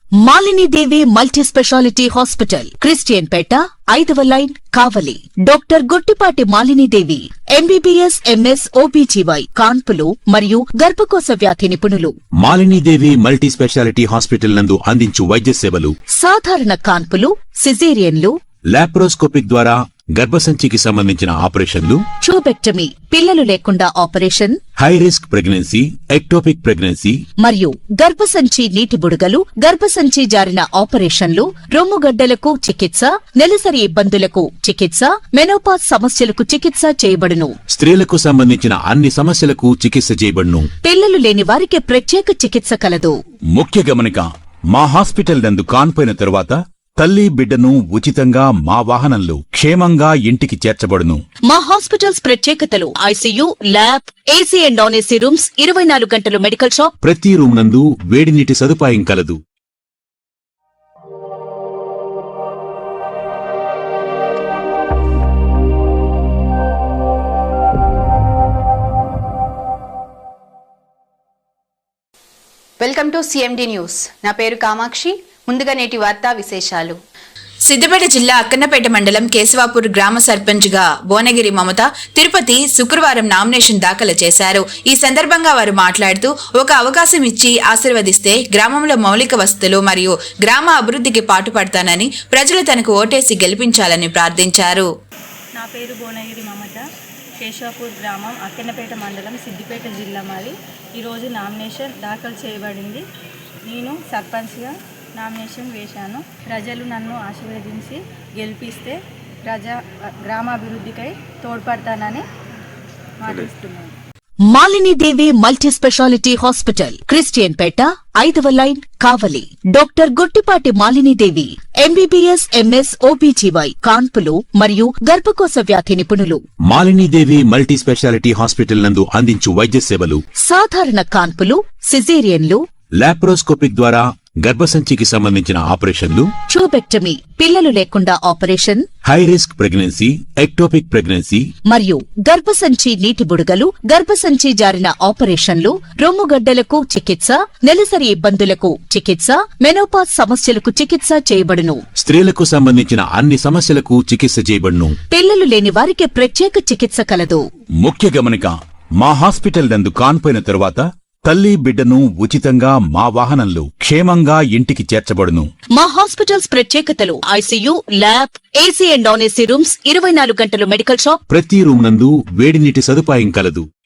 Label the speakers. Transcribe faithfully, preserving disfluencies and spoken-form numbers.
Speaker 1: Malini Devi multi speciality hospital, Christian Peta, ఐదవ line, Kavali. Doctor Guttipati Malini Devi, MBBS, MS, OBGY, కాన్పులు మరియు గర్భకోశ వ్యాధి నిపుణులు.
Speaker 2: Malini Devi multi speciality hospital నందు అందించు వైద్య సేవలు:
Speaker 1: సాధారణ కాన్పులు, సిజేరియన్లు,
Speaker 2: లాప్రోస్కోపిక్ ద్వారా గర్భసంచికి సంబంధించిన ఆపరేషన్లు,
Speaker 1: ట్యూబెక్టమీ, పిల్లలు లేకుండా operation,
Speaker 2: high risk pregnancy, ectopic pregnancy
Speaker 1: మరియు గర్భసంచి నీటి బుడగలు, గర్భసంచి జారిన ఆపరేషన్లు, రొమ్ముగడ్డలకు చికిత్స, నెలసరి ఇబ్బందులకు చికిత్స, మెనోపాజ్ సమస్యలకు చికిత్స చేయబడును.
Speaker 2: స్త్రీలకు సంబంధించిన అన్ని సమస్యలకు చికిత్స చేయబడును.
Speaker 1: పిల్లలు లేని వారికి ప్రత్యేక చికిత్స కలదు.
Speaker 2: ముఖ్య గమనిక: మా హాస్పిటల్ నందు కాన్పోయిన తరువాత తల్లి బిడ్డను ఉచితంగా మా వాహనంలో క్షేమంగా ఇంటికి చేర్చబడును.
Speaker 1: మా హాస్పిటల్స్ ప్రత్యేకతలు: ICU, lab, AC and non AC rooms, ఇరవై నాలుగు గంటలు మెడికల్ షాప్,
Speaker 2: ప్రతి రూమ్ నందు వేడి నీటి సదుపాయం కలదు.
Speaker 3: Welcome to CMD news. నా పేరు కామాక్షి. ముందుగా నేటి వార్తా విశేషాలు.
Speaker 4: సిద్దిపేట జిల్లా అక్కన్నపేట మండలం కేశవాపూర్ గ్రామ సర్పంచ్ గా భువనగిరి మమత తిరుపతి శుక్రవారం నామినేషన్ దాఖలు చేశారు. ఈ సందర్భంగా వారు మాట్లాడుతూ, ఒక అవకాశం ఇచ్చి ఆశీర్వదిస్తే గ్రామంలో మౌలిక వసతులు మరియు గ్రామ అభివృద్ధికి పాటుపడతానని, ప్రజలు తనకు ఓటేసి గెలిపించాలని ప్రార్థించారు.
Speaker 5: నా పేరు భువనగిరి మమత, కేశవాపూర్ గ్రామం, అక్కన్నపేట మండలం, సిద్దిపేట జిల్లా. మాది ఈరోజు నామినేషన్ దాఖలు చేయబడింది. నేను సర్పంచ్గా నామినేషన్ వేశాను. ప్రజలు నన్ను ఆశీర్వదించి గెలిపిస్తే ప్రజా గ్రామాభివృద్ధికై తోడ్పడతానని మాటిస్తున్నాను.
Speaker 1: Malini Devi multi speciality hospital, Christian Peta, ఐదవ line, Kavali. Doctor Guttipati Malini Devi, MBBS, MS, OBGY, కాన్పులు మరియు గర్భకోశ వ్యాధి నిపుణులు.
Speaker 2: Malini Devi multi speciality hospital నందు అందించు వైద్య సేవలు:
Speaker 1: సాధారణ కాన్పులు, సిజేరియన్లు,
Speaker 2: లాప్రోస్కోపిక్ ద్వారా గర్భసంచికి సంబంధించిన ఆపరేషన్లు,
Speaker 1: ట్యూబెక్టమీ, పిల్లలు లేకుండా operation,
Speaker 2: high risk pregnancy, ectopic pregnancy
Speaker 1: మరియు గర్భసంచి నీటి బుడగలు, గర్భసంచి జారిన ఆపరేషన్లు, రొమ్ముగడ్డలకు చికిత్స, నెలసరి ఇబ్బందులకు చికిత్స, మెనోపాజ్ సమస్యలకు చికిత్స చేయబడును.
Speaker 2: స్త్రీలకు సంబంధించిన అన్ని సమస్యలకు చికిత్స చేయబడును.
Speaker 1: పిల్లలు లేని వారికి ప్రత్యేక చికిత్స కలదు.
Speaker 2: ముఖ్య గమనిక: మా హాస్పిటల్ నందు కాన్పోయిన తరువాత తల్లి బిడ్డను ఉచితంగా మా వాహనంలో క్షేమంగా ఇంటికి చేర్చబడును.
Speaker 1: మా హాస్పిటల్స్ ప్రత్యేకతలు: ICU, lab, AC and non AC rooms, ఇరవై నాలుగు గంటలు మెడికల్ షాప్,
Speaker 2: ప్రతి రూమ్ నందు వేడి నీటి సదుపాయం కలదు.